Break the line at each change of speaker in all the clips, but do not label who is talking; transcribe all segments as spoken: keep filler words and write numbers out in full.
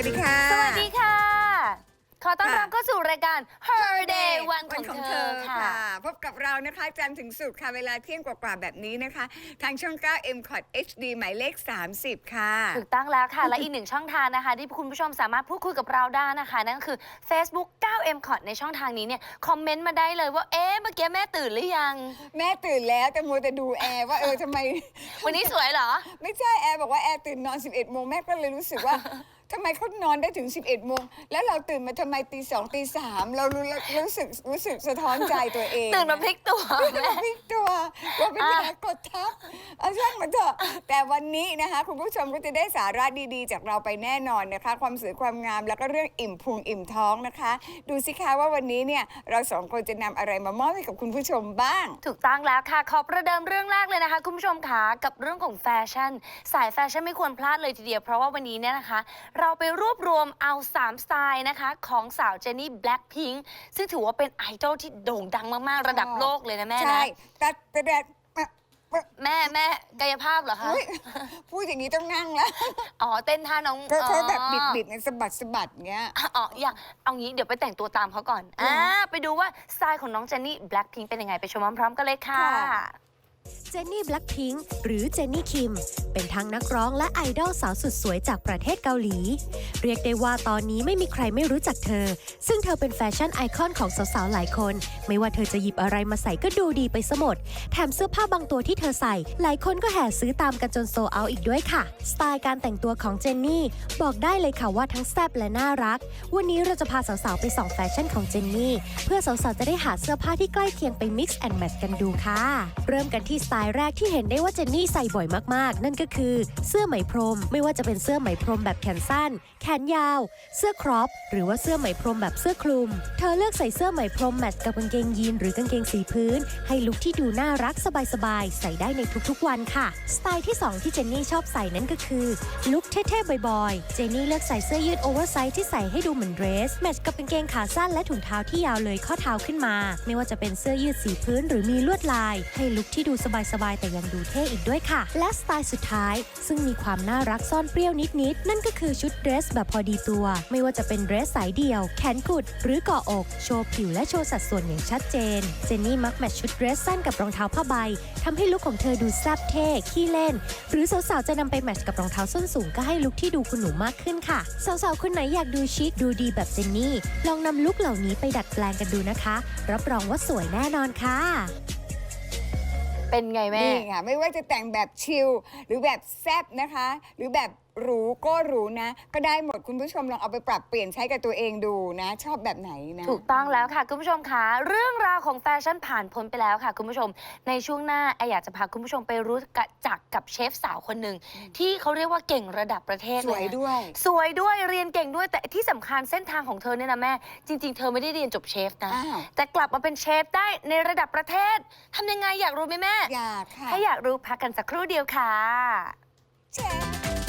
ดีค่ะ
สวัสดีค่ะ ขอต้อนรับเข้าสู่รายการ Her Day วันของเธอค่ะ
พบกับเรานะคะจันทร์ถึงศุกร์ค่ะเวลาเที่ยงกว่าๆแบบนี้นะคะทางช่อง เก้า เอ็ม คอท เอช ดี หมายเลข สามสิบ ค่ะ
ถูกต้องแล้วค่ะ และอีกหนึ่งช่องทางนะคะที่คุณผู้ชมสามารถพูดคุยกับเราได้นะคะนั่นก็คือ Facebook เก้า เอ็ม คอท ในช่องทางนี้เนี่ยคอมเมนต์มาได้เลยว่าเอ๊ะเมื่อกี้แม่ตื่นหรือยัง
แม่ตื่นแล้วแต่มัวแต่ดูแอร์ว่าเออทำไม
วันนี้สวยเหรอ
ไม่ใช่แอร์บอกว่าแอร์ตื่นนอน สิบเอ็ด โมงแม่ก็เลยรู้สึกว่าทำไมเขานอนได้ถึง สิบเอ็ด โมงแล้วเราตื่นมาทำไมตีสองตีสามเรารู้รู้สึกรู้สึกสะท้อนใจตัวเอง
ตื่นมาพลิกตัว
ตื่นมาพลิกตัวว่าเป็นแผลกดทับเอาช่างมันเถอะแต่วันนี้นะคะคุณผู้ชมก็จะได้สาระดีๆจากเราไปแน่นอนนะคะความสวยความงามแล้วก็เรื่องอิ่มพุงอิ่มท้องนะคะดูสิคะว่าวันนี้เนี่ยเราสองคนจะนำอะไรมามอบให้กับคุณผู้ชมบ้าง
ถูกต้องแล้วค่ะขอประเดิมเรื่องแรกเลยนะคะคุณผู้ชมค่ะกับเรื่องของแฟชั่นสายแฟชั่นไม่ควรพลาดเลยทีเดียวเพราะว่าวันนี้เนี่ยนะคะเราไปรวบรวมเอาสามสไตล์นะคะของสาวเจนนี่แบล็คพิงค์ซึ่งถือว่าเป็นไอดอลที่โด่งดังมากๆระดับโลกเลยนะแม่นะ
ใช่แต่แต่แดด
แม่แม่กายภาพเหรอคะ
พูดอย่างนี้ต้องนั่งแล้ว
อ๋อเต้นท่าน้อง
เขาแบบบิดบิดในสะบัดสะบัดเงี้ย
อ๋ออย่างเอางี้เดี๋ยวไปแต่งตัวตามเขาก่อนอ่าไปดูว่าสไตล์ของน้องเจนนี่แบล็คพิงค์เป็นยังไงไปชมพร้อมๆกันเลยค่ะ
เจนนี่แบล็คพิงค์หรือเจนนี่คิมเป็นทั้งนักร้องและไอดอลสาวสุดสวยจากประเทศเกาหลีเรียกได้ว่าตอนนี้ไม่มีใครไม่รู้จักเธอซึ่งเธอเป็นแฟชั่นไอคอนของสาวๆหลายคนไม่ว่าเธอจะหยิบอะไรมาใส่ก็ดูดีไปซะหมดแถมเสื้อผ้าบางตัวที่เธอใส่หลายคนก็แห่ซื้อตามกันจนโซเอาอีกด้วยค่ะสไตล์การแต่งตัวของเจนนี่บอกได้เลยค่ะว่าทั้งแซ่บและน่ารักวันนี้เราจะพาสาวๆไปส่องแฟชั่นของเจนนี่เพื่อสาวๆจะได้หาเสื้อผ้าที่ใกล้เคียงไป mix and match กันดูค่ะเริ่มกันที่สไตล์แรกที่เห็นได้ว่าเจนนี่ใส่บ่อยมากๆนั่นก็คือเสื้อไหมพรมไม่ว่าจะเป็นเสื้อไหมพรมแบบแขนสั้นแขนยาวเสื้อครอปหรือว่าเสื้อไหมพรมแบบเสื้อคลุมเธอเลือกใส่เสื้อไหมพรมแมทช์กับกางเกงยีนหรือกางเกงสีพื้นให้ลุคที่ดูน่ารักสบายๆใส่ได้ในทุกๆวันค่ะสไตล์ที่สองที่เจนนี่ชอบใส่นั่นก็คือลุคเท่ๆบ่อยๆเจนนี่เลือกใส่เสื้อยืดโอเวอร์ไซส์ที่ใส่ให้ดูเหมือนเดรสแมทช์กับกางเกงขาสั้นและถุงเท้าที่ยาวเลยข้อเท้าขึ้นมาไม่ว่าจะเป็นเสื้อยืดสีพื้นหรือมีลวดลายให้ลุคที่ดูสบายๆแต่ยังดูเท่อีกด้วยค่ะและสไตล์สุดท้ายซึ่งมีความน่ารักซ่อนเปรี้ยวนิดๆนั่นก็คือชุดเดรสแบบพอดีตัวไม่ว่าจะเป็นเดรสสายเดี่ยวแขนกุดหรือเกาะอกโชว์ผิวและโชว์สัดส่วนอย่างชัดเจนเจนนี่มักแมทช์ชุดเดรสสั้นกับรองเท้าผ้าใบทำให้ลุคของเธอดูแซ่บเท่ขี้เล่นหรือสาวๆจะนำไปแมทช์กับรองเท้าส้นสูงก็ให้ลุคที่ดูคุณหนูมากขึ้นค่ะสาวๆคนไหนอยากดูชิคดูดีแบบเจนนี่ลองนำลุคเหล่านี้ไปดัดแปลงกันดูนะคะรับรองว่าสวยแน่นอนค่ะ
เป็นไงแม่
นี่ค่ะไม่ว่าจะแต่งแบบชิลหรือแบบแซ่บนะคะหรือแบบหรูก็หรูนะก็ได้หมดคุณผู้ชมลองเอาไปปรับเปลี่ยนใช้กับตัวเองดูนะชอบแบบไหนนะ
ถูกต้องแล้วค่ะคุณผู้ชมค่ะเรื่องราวของแฟชั่นผ่านพ้นไปแล้วค่ะคุณผู้ชมในช่วงหน้าไออยากจะพาคุณผู้ชมไปรู้จักกับเชฟสาวคนหนึ่งที่เขาเรียกว่าเก่งระดับประเทศ
สวยด้วย
สวยด้วยเรียนเก่งด้วยแต่ที่สำคัญเส้นทางของเธอเนี่ยนะแม่จริงๆเธอไม่ได้เรียนจบเชฟนะแต่กลับมาเป็นเชฟได้ในระดับประเทศทำยังไงอยากรู้ไหมแม่
อยากค่ะ
ถ้าอยากรู้พักกันสักครู่เดียวค่ะ
เชฟ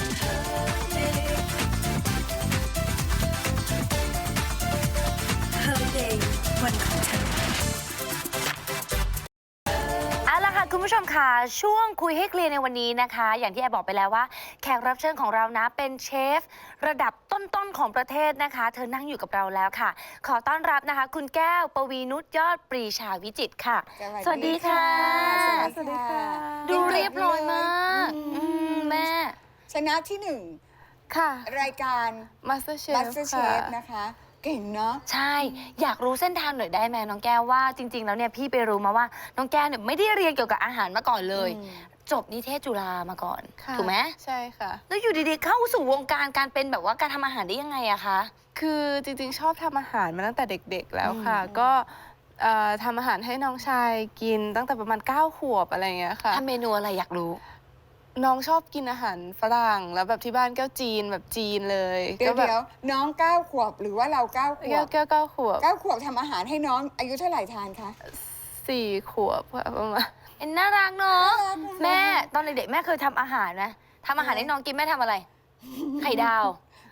วันของฉันเอาล่ะค่ะคุณผู้ชมค่ะช่วงคุยให้เคลียร์ในวันนี้นะคะอย่างที่แอบบอกไปแล้วว่าแขกรับเชิญของเรานะเป็นเชฟระดับต้นๆของประเทศนะคะเธอนั่งอยู่กับเราแล้วค่ะขอต้อนรับนะคะคุณแก้วปวีนุชยอดปรีชาวิจิตรค่ะสวัสดีค่ะ
สวัสดีค่ะ
ดูเรียบร้อยมากแม่
ชนะที่หนึ่ง
ค่ะ
รายการ
MasterChef
MasterChef นะคะเก่งเนาะ
ใช่อยากรู้เส้นทางหน่อยได้ไหมน้องแก้วว่าจริงๆแล้วเนี่ยพี่ไปรู้มาว่าน้องแก้วเนี่ยไม่ได้เรียนเกี่ยวกับอาหารมาก่อนเลยจบนิเทศจุฬามาก่อนถูกไหม
ใช่ค่ะ
แล้วอยู่ดีๆเข้าสู่วงการการเป็นแบบว่าการทำอาหารได้ยังไงอะคะ
คือจริงๆชอบทำอาหารมาตั้งแต่เด็กๆแล้วค่ะก็ทำอาหารให้น้องชายกินตั้งแต่ประมาณเก้าขวบอะไรอย่างเงี้ยค่ะ
ทำเมนูอะไรอยากรู้
น้องชอบกินอาหารฝรั่งแล้วแบบที่บ้านแก้วจีนแบบจีนเลย
เดี๋ยวเดี๋ยวน้องเก้าขวบหรือว่าเราเก้าขวบ
แก้วเก้าขวบ
เก้าขวบทำอาหารให้น้องอายุเท่าไหร่ทานคะ
สี่ขวบประมาณ
เอ็นน่ารักเนาะแม่ตอนเด็กๆแม่เคยทำอาหารนะทำอาหารให้น้องกินแม่ทำอะไรไข่ดาว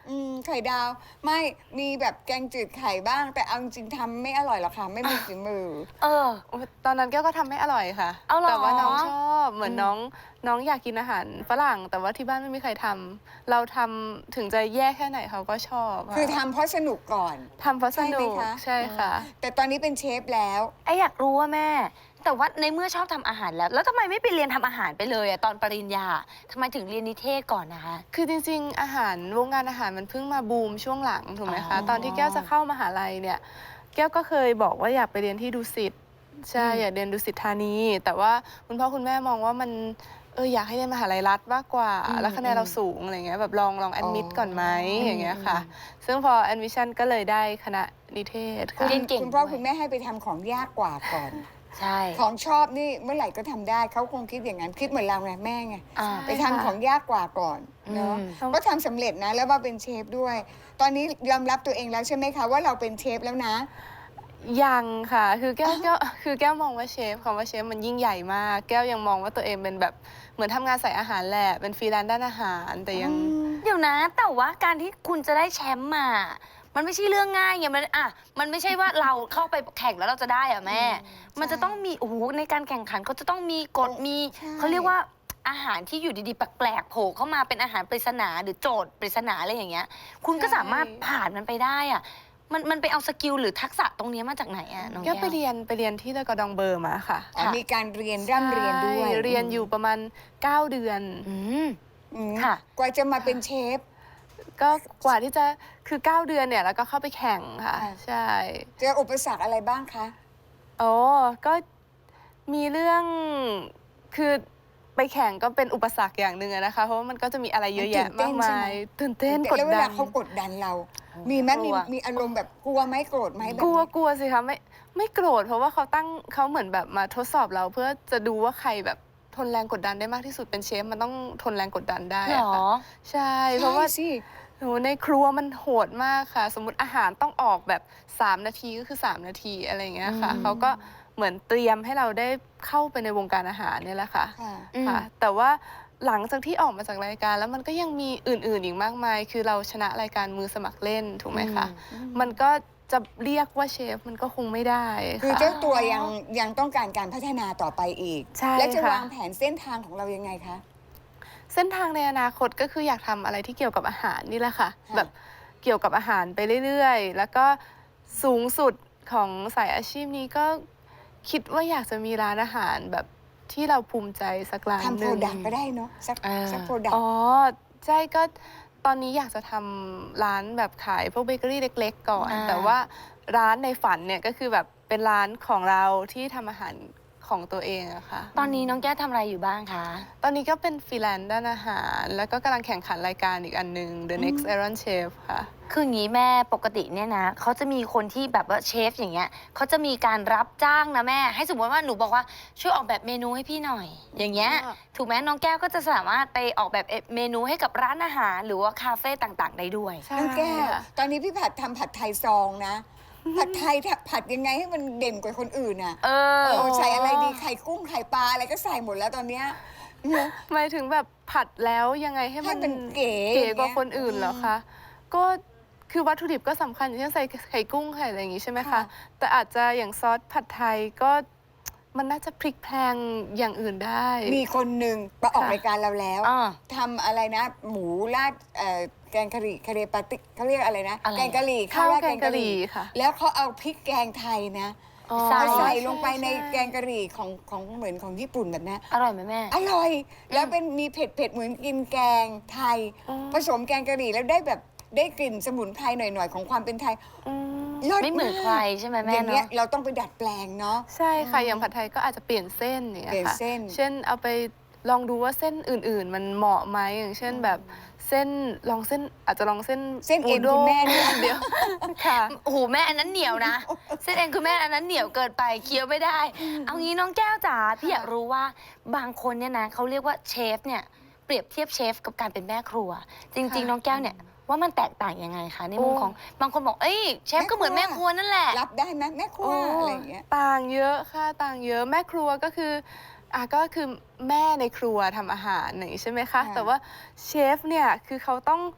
อืมไข่ดาวไม่มีแบบแกงจืดไข่บ้าง แต่เอาจริงๆทำไม่อร่อยหรอกค่ะ ไม่มีฝีมือ
เออ
โอ้ตอนนั้นแก้วก็ทำไม่อร่อยค่ะ
เอาเหรอ
แต่ว่าน้องชอบเหมือน
อืม
น้องน้องอยากกินอาหารฝรั่ง แต่ว่าที่บ้านไม่มีใครทำเราทำถึงจะแย่แค่ไหนเขาก็ชอบ
คือทำเพราะสนุกก่อน
ทำเพราะสนุก
ใช่ไหมคะ
ใช่ค่ะ
แต่ตอนนี้เป็นเชฟแล้ว
ไออยากรู้ว่าแม่ แต่ว่าในเมื่อชอบทำอาหารแล้ว แล้วทำไมไม่ไปเรียนทำอาหารไปเลยอะตอนปริญญาทำไมถึงเรียนนิเทศก่อนนะคะ
คือจริงๆ อาหารวงการอาหารมันเพิ่งมาบูมช่วงหลังถูกไหม
อ๋
คะ
อ
ตอนที่แก้วจะเข้ามหาลัยเนี่ยแก้วก็เคยบอกว่าอยากไปเรียนที่ดุสิตใช่
อืม
อยากเรียนดุสิตธานี แต่ว่าคุณพ่อคุณแม่มองว่ามันเอออยากให้เรียนมหาลัยรัฐมากกว่า แล้วคะแนนเราสูงอะไรเงี้ยแบบลองลองแอดมิดก่อนไหมอย่างเงี้ยค่ะ ซึ่งพอแอดมิชชั่นก็เลยได้คณะนิเทศค่ะ
เรียนเก่ง
คุณพ่อ
ด้วย
คุณแม่ให้ไปทำของยากกว่าก่อน
ใช่
ของชอบนี่เมื่อไหร่ก็ทำได้เขาคงคิดอย่างนั้นคิดเหมือนเราไงแม่ไง
อ่า
ไปทำของยากกว่าก่อนเนาะ
อืม
ก็ทำสำเร็จนะแล้วมาเป็นเชฟด้วย ตอนนี้ยอมรับตัวเองแล้วใช่ไหมคะว่าเราเป็นเชฟแล้วนะ
ยังค่ะ คือแก้วแก้วคือแก้วมองว่าเชฟคำว่าเชฟมันยิ่งใหญ่มาก แก้วยังมองว่าตัวเองเป็นแบบเหมือนทำงานสายอาหารแหละ เป็นฟรีแลนซ์ด้านอาหาร แต่ยัง
เดี๋ยวนะ แต่ว่าการที่คุณจะได้แชมป์มา มันไม่ใช่เรื่องง่ายไงมันอ่ะมันไม่ใช่ว่าเราเข้าไปแข่งแล้วเราจะได้อะแม่ มันจะต้องมีโอ้โหในการแข่งขันเขาจะต้องมีกฎมี
ใช่
เขาเรียกว่าอาหารที่อยู่ดีๆแปลกๆโผล่เข้ามาเป็นอาหารปริศนาหรือโจทย์ปริศนาอะไรอย่างเงี้ย คุณก็
ใช่
สามารถผ่านมันไปได้อะมันมันไปเอาสกิลหรือทักษะตรงเนี้ยมาจากไหนอะน้อง
แก้
แก้
ว
ว
ไปเรียนไปเรียนที่เลอกอดองเบอร์มาค่ะ
อ๋อมีการเรียนร่ำเรียนด้วย
ใช่เรียนอยู่ประมาณเก้าเดือน
อืม
อืม
ค่ะ
กว่าจะมาเป็นเชฟ
ก็กว่าที่จะคือเก้าเดือนเนี่ยแล้วก็เข้าไปแข่งค่ะ
ค่ะ
ใช่
เจออุปสรรคอะไรบ้างคะ
โอ้ก็มีเรื่องคือไปแข่งก็เป็นอุปสรรคอย่างหนึ่งอะนะคะ เพราะว่ามันก็จะมีอะไรเยอะแยะมากมายตื่นเต้นกด
แล้วเว
ดั
ลาน เขากดดันเรา มีไหม
กลั
มี
ว
มีอารมณ์แบบกลัวไหมโกรธไหมแบบ
กลัว
นี้
กลัวสิคะไม่ไม่โกรธเพราะว่าเขาตั้งเขาเหมือนแบบมาทดสอบเราเพื่อจะดูว่าใครแบบทนแรงกดดันได้มากที่สุดเป็นเชฟมันต้องทนแรงกดดันได้
เหร
อะ
อ
ค่ะใช่เพราะว่า
ใช่สิ
โหในครัวมันโหดมากค่ะ สมมติอาหารต้องออกแบบสามนาทีก็คือสามนาทีอะไรอย่างเงี้ยค่ะ
อืม
เขาก็เหมือนเตรียมให้เราได้เข้าไปในวงการอาหารเนี่ยแหละค่ะ
ค่ะ
อืม
ค่ะ แต่ว่าหลังจากที่ออกมาจากรายการแล้วมันก็ยังมีอื่นๆอีกมากมาย คือเราชนะรายการมือสมัครเล่นถูกไหมคะ มันก็จะเรียกว่าเชฟมันก็คงไม่ได้
คือ
ค่ะ
เจ้าตัวยังยังต้องการการพัฒนาต่อไปอีก
ใช่
แล้วจะ
ค่ะ
วางแผนเส้นทางของเรายังไงคะ
เส้นทางในอนาคตก็คืออยากทำอะไรที่เกี่ยวกับอาหารนี่แหละค่ะ
ค่ะ
แบบเกี่ยวกับอาหารไปเรื่อยๆ แล้วก็สูงสุดของสายอาชีพนี้ก็คิดว่าอยากจะมีร้านอาหารแบบที่เราภูมิใจสักร้าน
ทำ
ห
โปร
นึ่ง
ดักต์ก็ได้เนาะสัก
เออ
สักโปรดักต์
อ๋อใช่ก็ตอนนี้อยากจะทำร้านแบบขายพวกเบเกอรี่เล็กๆก่อน
อ่า
แต่ว่าร้านในฝันเนี่ยก็คือแบบเป็นร้านของเราที่ทำอาหารของตัวเองอะค่ะ
ตอนนี้น้องแก้วทำอะไรอยู่บ้างคะ
ตอนนี้ก็เป็นฟรีแลนซ์ด้านอาหาร แล้วก็กำลังแข่งขันรายการอีกอันหนึ่ง The Next Iron Chef ค่ะ
คืออย่างนี้แม่ปกติเนี่ยนะเขาจะมีคนที่แบบว่าเชฟอย่างเงี้ยเขาจะมีการรับจ้างนะแม่ ให้สมมติว่าหนูบอกว่าช่วยออกแบบเมนูให้พี่หน่อย อย่างเงี้ย
อ่า
ถูกไหมน้องแก้วก็จะสามารถไปออกแบบเมนูให้กับร้านอาหาร หรือว่าคาเฟ่ต่างๆ ได้ด้วย
ใช่
น้องแก้ว
ค่ะ
ตอนนี้พี่ผัดทำผัดไทยซองนะ ผัดไทยผัดยังไงให้มันเด่นกว่าคนอื่นอ่ะ
เออ
เออใส่อะไรดีไข่กุ้งไข่ปลาอะไรก็ใส่หมดแล้วตอนเนี้ยเนอะ
หมายถึงแบบผัดแล้วยังไงให้
ให้
มัน
มันเก๋
เก๋กว่า
อย่างเงี้ย
คนอื่นเหรอคะ ก็คือวัตถุดิบก็สำคัญอย่างเช่นใส่ไข่กุ้งไข่อะไรอย่างงี้ใช่ไหมคะ
ค่ะ
แต่อาจจะอย่างซอสผัดไทยก็มันน่าจะพลิกแพลงอย่างอื่นได้
มีคนหนึ่งมาออก
ค่ะ
รายการเราแล้ว
อ่า
ทำอะไรนะ หมูราดเอ่อแกงกะหรี่คาเรปาติเขาเรียกอะไรนะ
อะไร
แกงกะหรี่
ข้าว
ราด
แกงกะหรี่ค่ะ
แล้วเขาเอาพริกแกงไทยนะ
อ๋อ
ใส่
เอาใส่
ช่
ลงไปใน
ช่
แกงกะหรี่ของของเหมือนของญี่ปุ่นแบบนี้
อร่อยไหมแม่
อร่อย แล้วเป็นมีเผ็ดเผ็ดๆเหมือนกินแกงไทย
อ๋อ
ผสมแกงกะหรี่แล้วได้แบบได้กลิ่นสมุนไพรหน่อยๆของความเป็นไทย
อืม
ลิศ
ไม่เหมือนใครใช่ไหมแม่
อย่างเงี้ย
เนาะ
เราต้องไปดัดแปลงเนาะ
ใช่ค่ะ อย่างผัดไทยก็อาจจะเปลี่ยนเส้นอย่างเงี้ย
เปลี่ยน
ค่ะ
เส้น
เช่นเอาไปลองดูว่าเส้นอื่น ๆ มันเหมาะไหมอย่างเช่นแบบเส้นลองเส้นอาจจะลองเส้น
เส้นเอ็น
ด้
คุณ
ง
แม่เนี่ย
เดียวค่ะ
โอ้โหแม่อันนั้นเหนียวนะ เส้นเองคือแม่อันนั้นเหนียวเกินไปเคี้ยวไม่ได้ เอางี้น้องแก้วจ๋าพี่อยากรู้ว่าบางคนเนี่ยนะเขาเรียกว่าเชฟเนี่ยเปรียบเทียบเชฟกับการเป็นแม่ครัว จริง ๆ
ค่ะ
น้องแก้วเนี่ยว่ามันแตกต่างยังไงคะในมุม
โอ้
ของบางคนบอกเอ้ยเชฟก็เหมือน
แม่
แม่
ค
ค
รั
รั
ว
วนั่นแหละ
รับได้ไหมแม่ครัว
โอ้
อะไรอย่างเงี้ย
ต่างเยอะค่ะต่างเยอะแม่ครัวก็คืออ่ะก็คือแม่ในครัวทำอาหารอย่างนี้ใช่ไหมคะ
ค่ะ
แต่ว่าเชฟเนี่ยคือเขาต้อง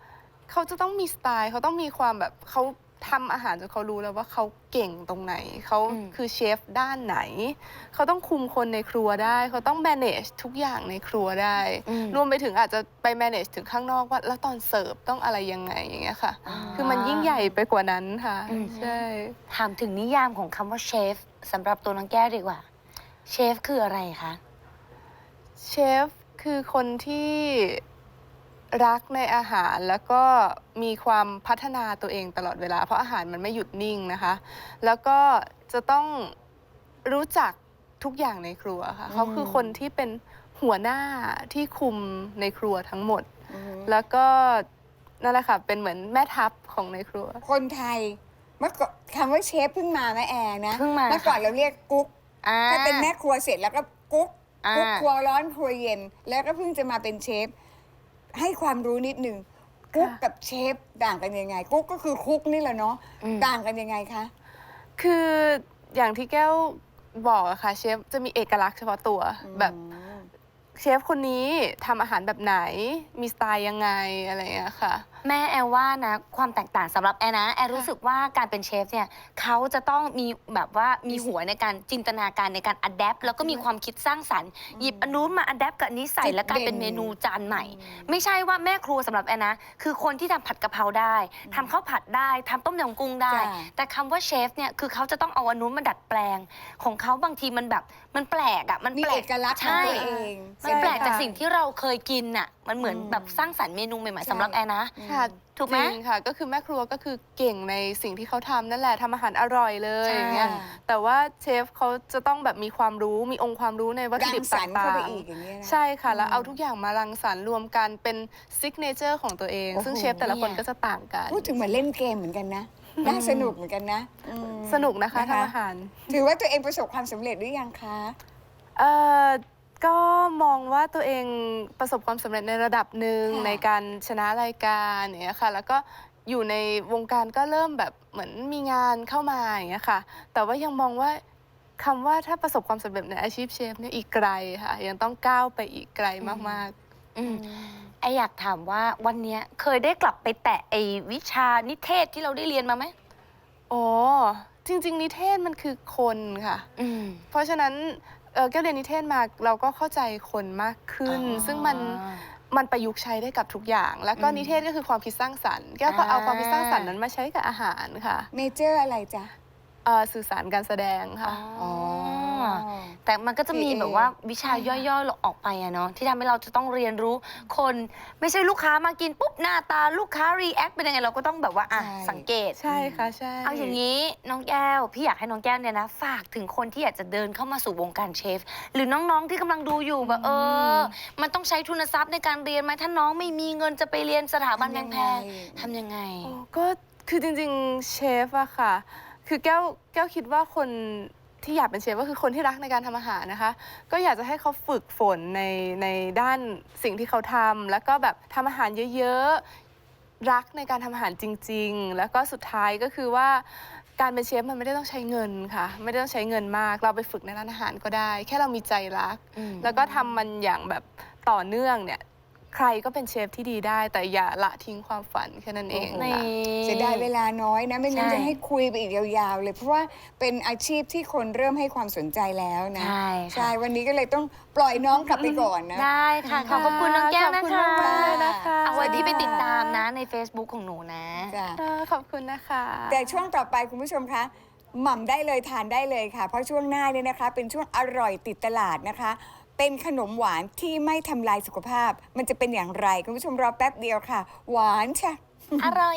เขาจะต้องมีสไตล์เขาต้องมีความแบบเขาทำอาหารจนเขารู้แล้วว่าเขาเก่งตรงไหนเขา
อืม
คือเชฟด้านไหนเขาต้องคุมคนในครัวได้เขาต้อง manage ทุกอย่างในครัวได้
อืม
รวมไปถึงอาจจะไป manage ถึงข้างนอกว่าแล้วตอนเสิร์ฟต้องอะไรยังไงอย่างเงี้ยค่ะ
อ่า
คือมันยิ่งใหญ่ไปกว่านั้นค่ะ
อืม
ใช่
ถามถึงนิยามของคำว่าเชฟสำหรับตัวน้องแก้วดีกว่าเชฟคืออะไรคะ
เชฟคือคนที่รักในอาหารแล้วก็มีความพัฒนาตัวเองตลอดเวลาเพราะอาหารมันไม่หยุดนิ่งนะคะ แล้วก็จะต้องรู้จักทุกอย่างในครัวค่ะ
อืม
เขาคือคนที่เป็นหัวหน้าที่คุมในครัวทั้งหมด
อือฮึ
แล้วก็นั่นแหละค่ะเป็นเหมือนแม่ทัพของในครัว
คนไทยเมื่อก่อนคำว่าเชฟเพิ่งมาแม่แอร์นะ
เพิ่งมา
เมื่อก่อน
ค่ะ
เราเรียกกุ๊ก
อ่า
ถ้าเป็นแม่ครัวเสร็จแล้วก็กุ๊ก
อ่า
กุ๊กครัวร้อนครัวเย็น แล้วก็เพิ่งจะมาเป็นเชฟให้ความรู้นิดนึงกุ๊กกับเชฟต่างกันยังไง กุ๊กก็คือคุกนี่แหละเนาะ
อืม
ต่างกันยังไงคะ
คืออย่างที่แก้วบอกอะค่ะเชฟจะมีเอกลักษณ์เฉพาะตัวแบบ
อืม
เชฟคนนี้ทำอาหารแบบไหนมีสไตล์ยังไงอะไรอย่างเงี้ยค่ะ
แม่แอลว่านะความแตกต่างสำหรับแอลนะแอลรู้สึกว่าการเป็นเชฟเนี่ยเขาจะต้องมีแบบว่ามีหัวในการจินตนาการในการอัดแอปแล้วก็มีความคิดสร้างสรรค์หยิบอันนู้นมาอัดแอปกับอันนี้ใส่
จุด
แล้วกลายเป็น
เด่น
เมนูจานใหม่
อืม
ไม่ใช่ว่าแม่ครัวสำหรับแอลนะ คือคนที่ทำผัดกะเพราได้ทำข้าวผัดได้ทำต้มยำกุ้งได้
จ้ะ
แต่คำว่าเชฟเนี่ยคือเขาจะต้องเอาอันนู้นมาดัดแปลง ของเขาบางทีมันแบบมันแปลกอ่ะมัน
มี
แปล
เอก กลักษณ์ของ
ใช่
ตัวเอง
มันแปลก
ใช่ค่ะ
จากสิ่งที่เราเคยกินน่ะมันเหมือน
อืม
แบบสร้างสรรค์เมนูใหม่
ใช่
ๆสำหรับแอลนะ
ค่ะ
ถูกไหม
จริงค่ะ ก็คือแม่ครัวก็คือเก่งในสิ่งที่เขาทำนั่นแหละทำอาหารอร่อยเลย
ใช่
อย่างเงี้ยแต่ว่าเชฟเขาจะต้องแบบมีความรู้มีองค์ความรู้ในวัตถุ
รัง
ดิบ
ส
ต
รรค์เข้า
่า
ไป
ง
อีกอย่างเงี้ยนะ
ๆ ใช่ค่ะ แล้ว
อืม
เอาทุกอย่างมารังสรรค์รวมกันเป็นซิกเนเจอร์ของตัวเอง
โอ้โห
ซึ่งเชฟแต่ละคนก็จะต่างกัน
พูดถึงเหมือนเล่นเกมเหมือนกันนะน่าสนุกเหมือนกันนะอืม
สนุกนะคะทำอาหาร
ถือว่าตัวเองประสบความสำเร็จหรือยังคะ
เอ่อก็มองว่าตัวเองประสบความสำเร็จในระดับหนึ่ง
ค่ะ
ในการชนะรายการอย่างเงี้ยค่ะ แล้วก็อยู่ในวงการก็เริ่มแบบเหมือนมีงานเข้ามาอย่างเงี้ยค่ะ แต่ว่ายังมองว่าคำว่าถ้าประสบความสำเร็จในอาชีพเชฟเนี่ยอีกไกลค่ะ ยังต้องก้าวไปอีกไกลมาก
อืมไออยากถามว่าวันเนี้ยเคยได้กลับไปแตะไอวิชานิเทศที่เราได้เรียนมาไหม
ๆ อ๋อ จริง ๆ นิเทศมันคือคนค่ะ
อืม
เพราะฉะนั้นเอ่อแก้วเรียนนิเทศมาเราก็เข้าใจคนมากขึ้น
อ๋อ
ซึ่งมันมันประยุกต์ใช้ได้กับทุกอย่าง แล้วก็
อืม
นิเทศก็คือความคิดสร้างสรรค์แก้วก็เอา
อ่า
ความคิดสร้างสรรค์นั้นมาใช้กับอาหารค่ะ
เมเจอร์อะไรจ๊ะ
เอ่อสื่อสารการแสดงค่ะ
อ๋อ แต่มันก็จะมี
พี เอ
แบบว่าวิชาย่อยๆออกไปอะเนาะที่ทำให้เราจะต้องเรียนรู้คน ไม่ใช่ลูกค้ามากินปุ๊บหน้าตาลูกค้ารีแอคเป็นยังไงเราก็ต้องแบบว่าอ่ะ
ใช่
สังเกต
ใช่ค่ะใช่
เอาอย่างนี้น้องแก้ว พี่อยากให้น้องแก้วเนี่ยนะ ฝากถึงคนที่อยากจะเดินเข้ามาสู่วงการเชฟ หรือน้องๆที่กำลังดูอยู่แบบเออ มันต้องใช้ทุนทรัพย์ในการเรียนไหมถ้าน้องไม่มีเงินจะไปเรียนสถาบันแพงๆทำยังไง
โอ้ก็คือจริงๆเชฟอะค่ะ คือแก้วแก้วคิดว่าคนที่อยากเป็นเชฟก็คือคนที่รักในการทำอาหารนะคะ ก็อยากจะให้เขาฝึกฝนในในด้านสิ่งที่เขาทำแล้วก็แบบทำอาหารเยอะๆ รักในการทำอาหารจริง ๆ แล้วก็สุดท้ายก็คือว่าการเป็นเชฟมันไม่ได้ต้องใช้เงินค่ะ ไม่ได้ต้องใช้เงินมาก เราไปฝึกในร้านอาหารก็ได้ แค่เรามีใจรัก
อืม
แล้วก็ทำมันอย่างแบบต่อเนื่องเนี่ยใครก็เป็นเชฟที่ดีได้ แต่อย่าละทิ้งความฝันแค่นั้นเอง
นี่
ค่ะ
เสียดายเวลาน้อยนะ ไม่งั้น
ใช่
จะให้คุยไปอีกยาวๆเลย เพราะว่าเป็นอาชีพที่คนเริ่มให้ความสนใจแล้วนะ
ใช่ค่ะ
วันนี้ก็เลยต้องปล่อยน้องกลับไปก่อนนะ
ได้ค่ะ ขอบคุณน้องแก้วนะ
ขอบคุณ
คะ
มากๆเลยนะคะ
เอาไว้พี่ไปติดตาม
สวัสดีค่ะ
นะใน Facebook ของหนูนะ
จ้ะ
เออขอบคุณนะคะ
แต่ช่วงต่อไปคุณผู้ชมคะหม่ำได้เลยทานได้เลยค่ะ เพราะช่วงหน้าเนี่ยนะคะ เป็นช่วงอร่อยติดตลาดนะคะ เป็นขนมหวานที่ไม่ทำลายสุขภาพ มันจะเป็นอย่างไร คุณผู้ชมรอแป๊บเดียวค่ะ หวานใช่
อร่อย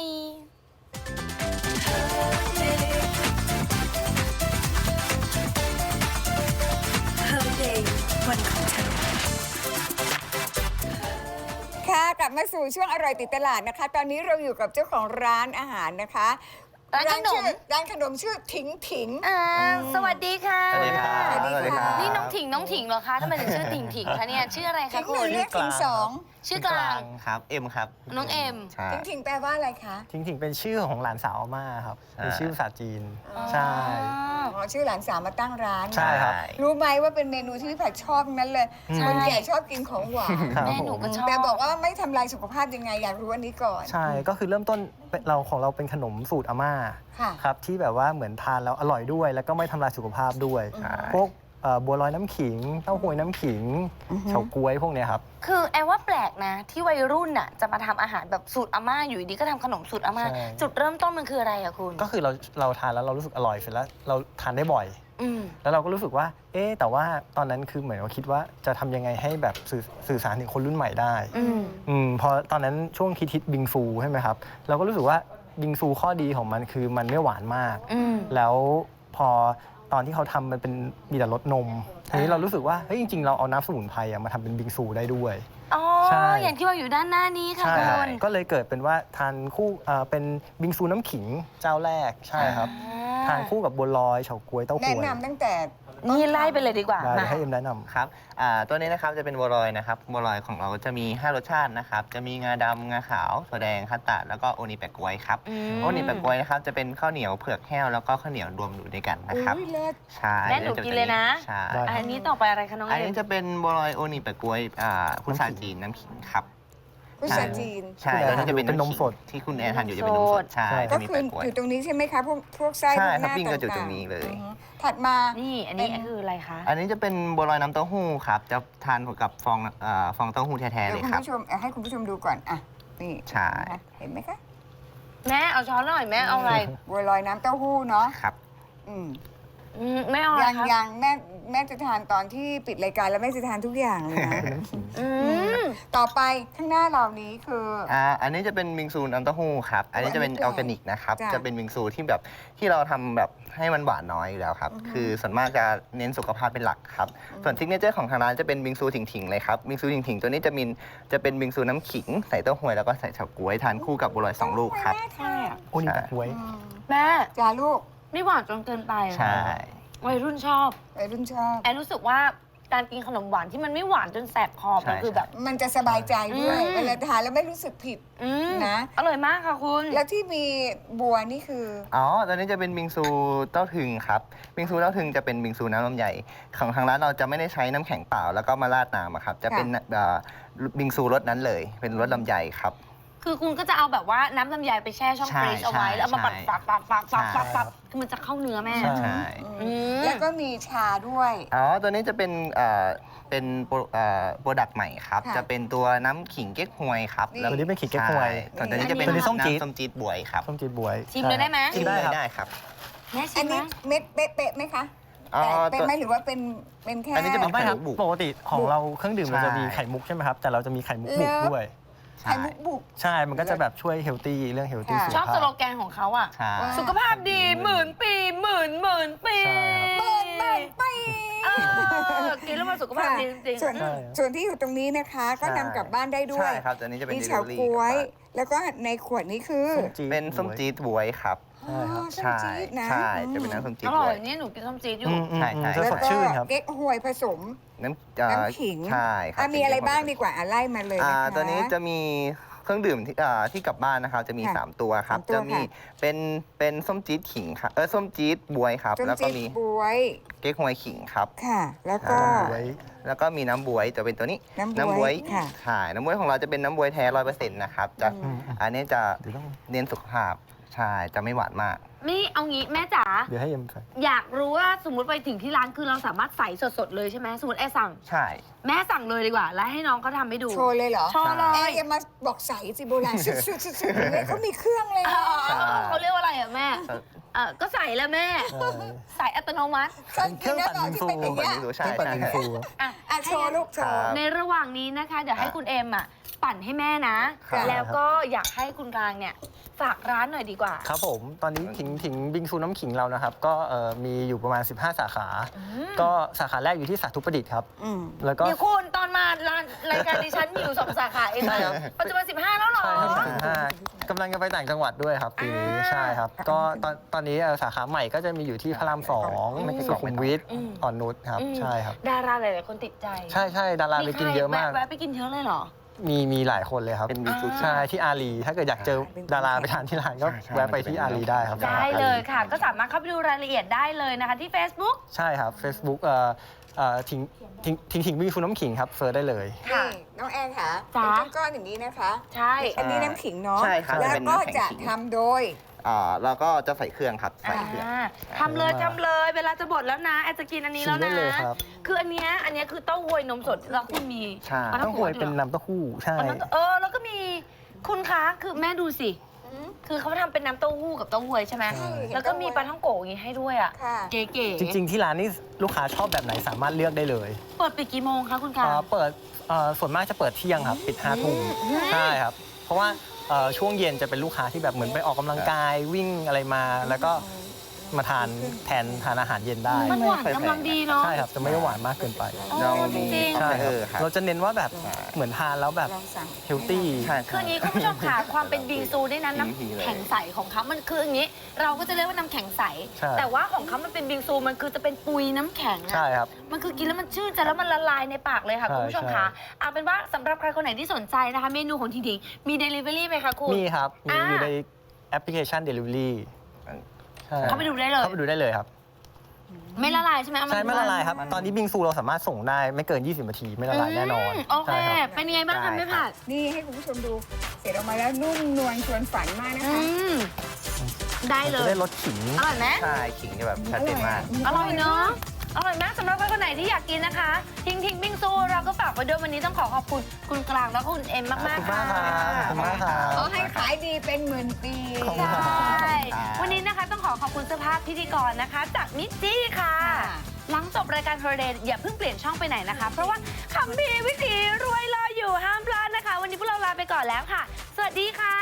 ค่ะกลับมาสู่ช่วงอร่อยติดตลาดนะคะ ตอนนี้เราอยู่กับเจ้าของร้านอาหารนะคะ
ร้านขนม
ชื่อร้านขนมชื่อถิงถิง
อ่าสวัสดีค่ะ
สวัสดีครับ
สวัสดีค่ะ
นี่น้องถิงน้องถิงเหรอคะทำไมถึงชื่อถิงถิงคะเนี่ยชื่ออะไร
ถิ
คะ
ง
คุ
หนึ่
ณ
งเรียกถิงสอง
ชื่อกลาง
ครับเอ็มครับ
น้องเอ็ม
ใช่
ทิ้งทิ้งแปลว่าอะไรคะ
ทิ้งถิงเป็นชื่อของหลานสาวอาม่าครับ
ใช่
เป็นชื่อภาษาจีน
อ๋อ
ใช่
อ๋อชื่อหลานสาวมาตั้งร้าน
ใช่ครับ
รู้ไหมว่าเป็นเมนูที่พี่ผัดชอบทั้งนั้นเลย
ใช่
คนแก่ชอบกินของหวาน
ครับ
แม่หนู
ผม
ก็ชอบ
แต่บอกว่าไม่ทำลายสุขภาพยังไงอยากรู้อันนี้ก่อน
ใช่ก็คือเริ่มต้นเป็นเราของเราเป็นขนมสูตรอาม่า
ค่ะ
ครับที่แบบว่าเหมือนทานแล้วอร่อยด้วย แล้วก็ไม่ทำลายสุขภาพด้วย
ใช่
พวกเอ่อบัวลอยน้ำขิงเต้าหวยน้ำขิง
อือฮึ
เฉาก๊วยพวกเนี้ยครับ
คือแอลว่าแปลกนะ ที่วัยรุ่นน่ะจะมาทำอาหารแบบสูตรอาม่าอยู่ดีก็ทำขนมสูตรอาม่า
ใช่
จุดเริ่มต้นมันคืออะไรอะคุณ
ก็คือเราเราทานแล้วเรารู้สึกอร่อยเสร็จแล้วเราทานได้บ่อย
อืม
แล้วเราก็รู้สึกว่า เอ๊ะแต่ว่าตอนนั้นคือเหมือนเราคิดว่าจะทำยังไงให้แบบสื่อสื่อสารถึงคนรุ่นใหม่ได้
อืม
อืมพอตอนนั้นช่วงคิดฮิตบิงซูใช่ไหมครับ เราก็รู้สึกว่าบิงซูข้อดีของมันคือมันไม่หวานมาก
อืม
แล้วพอตอนที่เขาทำมันเป็นมีแต่รสนมทีนี้เรารู้สึกว่าเฮ้ยจริงๆเราเอาน้ำสมุนไพรอะมาทำเป็นบิงซูได้ด้วย
อ๋อ
ใช่
อย่างที่ว่าอยู่ด้านหน้านี้ค่ะ
ใช่
คุณ
ก็เลยเกิดเป็นว่าทานคู่เอ่อเป็นบิงซูน้ำขิงเจ้าแรกใช่ครับ ทานคู่กับบัวลอยเฉาก๊วยเต้าห
แนะ
วย
นำตั้งแต่
นี่ไล่ไปเลยดีกว่า
ได้
มา
ให้เอ็มแนะนำ
ครับอ่าตัวนี้นะครับจะเป็นบัวลอยนะครับบัวลอยของเราจะมี ห้ารสชาตินะครับจะมีงาดำงาขาวถั่วแดงคัตตาร์ดแล้วก็โอนิแปะก๊วยครับ
อืม
โอนิแปะก๊วยนะครับจะเป็นข้าวเหนียวเผือกแห้วแล้วก็ข้าวเหนียวรวมอยู่ด้วยกันนะครับ
อุ้ยเลิศ
ใช่
แม่หนูกินเลยนะ
ใช่
ได้
อันนี้ต่อไปอะไรคะน้อง
อัน
เอ็
นี้
ม
จะเป็นบัวลอยโอนิแปะก๊วยอ่าพุทราจีนน้ำขิงครับ
พุทราจีน
ใช่
คุณแอน
ตัวนี้จะเป็น
เป็นนม
ำขิง
สด
ที่คุณแอนทานอยู่จะเป็นนมสดใช่
ใช่
ก็
จะมี
คือ
แปะก๊วย
อยู่ตรงนี้ใช่ไหมคะพวกพวกไส้
ใช่
พวกห
ครับ
น้า
ปิ้งก็อยู่
ต่างๆ
ตรงนี้เลย
อือฮึถัดมา
นี่อันนี้
เป็น
คืออะไรคะ
อันนี้จะเป็นบัวลอยน้ำเต้าหู้ครับจะทานกับฟองเอ่อฟองเต้าหู้แท้ๆ
เดี๋
เลย
วย คุณ
ครับ
ผู้ชมเอาให้คุณผู้ชมดูก่อนอ่ะนี่
ใช่
นะคะเห็นไหมคะ
แม่เอาช้อนหน่อยแม่เอาอะไร
บัวลอยน้ำเต้าหู้เนาะ
ครับ
อืม
อืมแม่เอาอะไร
ยัง
ครับ
ยังแม่แม่จะทานตอนที่ปิดรายการแล้วแม่จะทานทุกอย่างเลยนะ
อืม
ต่อไปข้างหน้าเรานี้คือ
อ่าอันนี้จะเป็นบิงซูน้ำเต้าหู้ครับ อันนี้จะเป็น
อั
อน
นี้
อร์แกนิกนะครับ
จ้ะ
จะเป็นบิงซูที่แบบที่เราทำแบบให้มันหวานน้อยอยู่แล้วครับ
อือฮึ
คือส่วนมากจะเน้นสุขภาพเป็นหลักครับ ส่วนซิกเนเจอร์ของทางร้านจะเป็นบิงซูถิงๆเลยครับ บิงซูถิงๆตัวนี้จะมีจะเป็นบิงซูน้ำขิงใส่เต้าหวยแล้วก็ใส่เฉาก๊วยทานคู่กับบัวลอยสองลูกครับ
ใช่อ่ะ
โอนิแปะก๊วย
แม่
จ้าลูก
ไม่หวานจนเกินไป
ใช่
วัยรุ่นชอบ
วัยรุ่นชอบ
แอนรู้สึกว่าการกินขนมหวานที่มันไม่หวานจนแสบคอ
ใช่
มันคือแบบ
มันจะสบายใจด้วย
อืม
เวลาทานแล้วไม่รู้สึกผิด
อืม
นะ
อร่อยมากค่ะคุณ
แล้วที่มีบัวนี่คือ
อ๋อ ตัวนี้จะเป็นบิงซูเต้าถึงครับ บิงซูเต้าถึงจะเป็นบิงซูน้ำลำไยของทางร้านเราจะไม่ได้ใช้น้ำแข็งเปล่าแล้วก็มาราดน้ำอะครับ จะเป็นเอ่อบิงซูรสนั้นเลย เป็นรสลำไยครับ
คือคุณก็จะเอาแบบว่าน้ำลำไยไปแช่ช่อง
ใช่
ฟรีซเอาไว้
ใช่
แล้วเอามาปั่น
ใช่
ปักปักปักปักปัก
ใช่
ปักคือมันจะเข้าเนื้อแม่
ใช่
ใช่
อืม
แล้วก็มีชาด้วย
อ๋อ ตัวนี้จะเป็นเอ่อเป็นโปรเอ่อโปรดักต์ใหม่ครับ
ค่ะ
จะเป็นตัวน้ำขิงเก๊กฮวยครับ
นี่
แล้ว
ตัวนี้เป็นขิงเก๊กฮวย
ใช่ส่วนตัวนี้จะเป็น
ตัวนี้ส้มจี๊ด
น้ำส้มจี๊ดบวยครับ
ส้มจีดบวย
ชิมเลยได้ไหม
ชิมได้
เลย
ครับ
ได้ครับ
แม่ชิ
อัน
มไหม
นี้เม็ดเป๊ะๆไหมคะ
อ๋อ
แต่เป็น
ตัว
ไหมหรือว่าเป็นเป็นแค่
อันนี้จะเป็
เอาไม่ครับ
ไข่มุก
ปกติของเราเครื่องดื่มเราจะมี
ใช่
ไข่มุกใช่ไหมครับ แต่เราจะมีไข่มุกบุกด้วย
ไข่มุกบุก
ใช่ มันก็จะแบบช่วยเฮลตี้เรื่องเฮลตี้
ค่ะ
สุข
ชอบ
ภา
สโล
พ
แกนของเขาอ่ะ
ใช่
สุขภาพดีหมื่นปีหมื่นหมื่นปี
ใช่ครับ
เปิดเปิดไป
เออกินแล้วมันสุขภาพดีจริงๆ
ส่วน
ใช่
ส่วนที่อยู่ตรงนี้นะคะ ก็
ใช่
นำกลับบ้านได้ด้วย
ใช่ครับ ตัวนี้จะเป็น
มี
เดลิ
เฉา
เวอรี่
ก๊วย
กลับบ้าน
แล้วก็ในขวดนี้คือ
ส้มจี๊ด
เป็นส้มจี๊ดบวยครับ
อ๋อส้ม
ใช่
จี๊ดนะ
ใช่ จะเป็นน้ำส้มจี๊
อ
ด
ร่
บ
อ
วย ย
เนี่ยหนูกินส้มจี๊ดอยู่
อืมอืม
ใช่
อืม
ใช่
จะ
แล้ว
สด
ก็
ชื่นครับ
เก๊กฮวยผสม
น้ำเอ่อ
น้ำขิง
ใช่ครั
อ่ะ
บ
มีอะไรบ้างดีกว่าอ่ะไล่มาเลย
อ่า
นะคะ
ตัวนี้จะมีเครื่องดื่มที่อ่าที่กลับบ้านนะครับ จะมี
ค่ะ
สามตัวครับ
สามตัว
จะมี
ค่ะ
เป็นเป็นส้มจี๊ดขิงครับ เออส้มจี๊ดบวยครับ
ส้ม
แล้วก็
จี๊ด
มี
บวย
เก๊กฮวยขิงครับ
ค่ะ แล้วก็
อ่า
ไว้
แล้วก็มีน้ำบวยจะเป็นตัวนี้
น้ำบ๊วย
วย
ค่ะ
ใช่น้ำบวยของเราจะเป็นน้ำบวยแท้ร้อยเปอร์เซ็นต์นะครับจะ
อืม
อันนี้จะ
เดี๋ยวต้อง
เน้นสุขภาพ ใช่ จะไม่หวานมาก
นี่เอางี้แม่จ๋า
เดี๋ยวให้เอ็มใส่
อยากรู้ว่าสมมติไปถึงที่ร้านคือเราสามารถใส่สดๆเลยใช่ไหมสมมติแอร์สั่ง
ใช่
แม่สั่งเลยดีกว่า แล้วให้น้องเขาทำให้ดู
โชว์เลยเหรอ
โชว์เล
เอ๊ะ
ย
อย่ามาบอกใสสิโบราณสุดๆๆๆเลยเขามีเครื่องเลย
อ๋
นะ
อ
ใช่
เขาเรียกว่าอะไรอ่ะแม่เออก็ใส่แล้วแม่
ใช่
ใส่อัตโนมัติ
ฉันกินได้ตอนที่เป็นอย่าง
เปิด
เงี้ย
ดู
เค
ใช่
รื่องปั่น
ใช่
บิงซู
อ่ะ
อ่ะโชว์ลูกโชว์
ครับ
ในระหว่างนี้นะคะ เดี๋ยวให้คุณเอ็มอ่ะปั่นให้แม่นะ
ครับ
แล้วก็อยากให้คุณกลางเนี่ยฝากร้านหน่อยดีกว่า
ครับผม ตอนนี้ถิงถิงบิงซูน้ำขิงเรานะครับ ก็เอ่อมีอยู่ประมาณ สิบห้า สาขา ก็สาขาแรกอยู่ที่สาธุประดิษฐ์ครับ
อืม
แล้วก็
เดี๋ยวคุณตอนมาร้านรายการดิฉันมีอยู่สองสาขาเอง
ใช่
นะครับ ปัจจุบันสิบห้าแล้วเหรอ
ใช่ครับสิบห้ากำลังจะไปต่างจังหวัดด้วยครับปีนี้
อ่า
ใช่ครับ ก็ตอนตอนนี้เอ่อสาขาใหม่ก็จะมีอยู่ที่พระรามสอง
ไม่ใช่
สุขุมวิท
อืม
อ่อนนุชครับ
อืม
ใช่ครับ
ดาราหลายๆคนติดใจ
ใช่ใช่ดาราไปกินเยอะมาก
แวะไปกินเยอะเลยเหรอ
มีมีหลายคนเลยครับ
เป็นบิงซู
ใช่ที่อารีถ้าเกิดอยากเจอดาราไปทานที่ร้านก็
ใช่ใช่
แวะไปที่อารีได้ครับ
ได้เลยค่ะ ก็สามารถเข้าไปดูรายละเอียดได้เลยนะคะที่ Facebook
ใช่ครับ Facebook เอ่อเอ่อทิ้งทิ้งทิ้งทิ้งบิงซูน้ำขิงครับเซิร์ชได้เลย
ค่ะ
นี่น้องแอนค่ะ
จ๋า
เป็นก้อนๆอย่างนี้นะคะ
ใช่
อันนี้น้ำขิงเนาะ
ใช่ครับ
แล้ว
เป็น
ก็
น้ำแข็ง
จะ
ขิง
ทำโดย
อ่าเราก็จะใส่เครื่องครับใส่เครื่อง
อ่าทำเลยทำเลย เวลาจะบดแล้วนะแอนจะกินอันนี้แล้ว
ชิมได้
นะ
เลยครับ
คืออันเนี้ยอันเนี้ยคือเต้าหวยนมสดแล้วคุณมี
ใช่
ปลา
ต้องหวยเป็นน้ำเต้าหู้ใช่
เอาน้ำเออแล้วก็มีคุณคะคือแม่ดูสิ คือเขาทำเป็นน้ำเต้าหู้กับเต้าหวยใช่ไหม
ใช่
แล้วก็มีปลาท่องโกะอย่างงี้ให้ด้วยอ่ะ
ค่ะ
เก๋ๆ
จริง ๆ ที่ร้านนี่ลูกค้าชอบแบบไหนสามารถเลือกได้เลย
เปิดปิดกี่โมงคะคุณคะ
เอ่อเปิดเอ่อส่วนมากจะเปิดเที่ยงครับ ปิดห้าทุ่มใช่ครับ เพราะว่าเอ่อช่วงเย็นจะเป็นลูกค้าที่แบบเหมือนไปออกกำลังกายวิ่งอะไรมา แล้วก็มาทานแทนทานอาหารเย็นได้
มันหวานกำลังดีเนาะ
ใช่ครับ จะไม่ได้หวานมากเกินไป
เรามี
จริงๆ
คา
ใช่
เฟ่
ครับ
เออครับ
เราจะเน้นว่าแบบ
ใช่
เหมือนทานแล้วแบบ
ลองสั่ง
เฮลตี้
ใช่
คืออย่างนี้คุณผู้ชมค่ะความเป็นบิงซูด้วยนะน้ำแข็งใสของเขามันคืออย่างนี้ เราก็จะเรียกว่าน้ำแข็งใส
ใช่
แต่ว่าของเขามันเป็นบิงซูมันคือจะเป็นปุยน้ำแข็งอะ
ใช่ครับ
มันคือกินแล้วมันชื่นใจแล้วมันละลายในปากเลยค่ะ
ใช่
คุณผู้ชม
ใช่
ค่ะเอาเป็นว่าสำหรับใครคนไหนที่สนใจนะคะ เมนูของทิงทิงมี Delivery ไหมคะคุณ
มีครับ มี
อ่า
อยู่ในแอปพลิเคชัน Delivery ใช่
เข้าไปดูได้เลย
เข้าไปดูได้เลยครับ
ไม่ละลายใช่ไหมเอาา
ใช่ไม่ละลายครับ
มัน
ตอนนี้บิงซูเราสามารถส่งได้ไม่เกิน ยี่สิบ นาทีไม่ละลายแน่นอน
มโอเค
ใช่ครับ
เป็นยังไงบ้างคะแม่ผัด
นี่ให้คุณผู้ชมดู เสร็จออกมาแล้วนุ่มนวลชวนฝันมากนะ
อื
คะ
มได้เล
จะ
ย
ได้รสขิง
อร่อยไหม
ใช่ขิงจะแบบชัดเจนมาก
อร่อยเนาะ อร่อยมากสำหรับใครคนไหนที่อยากกินนะคะ ทิ้งทิ้งบิงซูเราก็ฝากไว้ด้วยวันนี้ต้องขอขอบคุณคุณกลางแล้วก็คุณเอ็มมาก
ขอบคุณ
ๆค่ะ
มากครับขอบคุณมากครับ
ขอให้ขายดีเป็นหมื่นปี
ขอบคุณครับ
ใช่วันนี้นะคะต้องขอขอบคุณเสื้อผ้าพิธีกรนะคะ จากมิจจี้ค่ะ
ค่ะ
หลังจบรายการโทรเดย์อย่าเพิ่งเปลี่ยนช่องไปไหนนะคะ เพราะว่าคำพีร์วิถีรวยรออยู่ห้ามพลาดนะคะ วันนี้พวกเราลาไปก่อนแล้วค่ะ สวัสดีค่ะ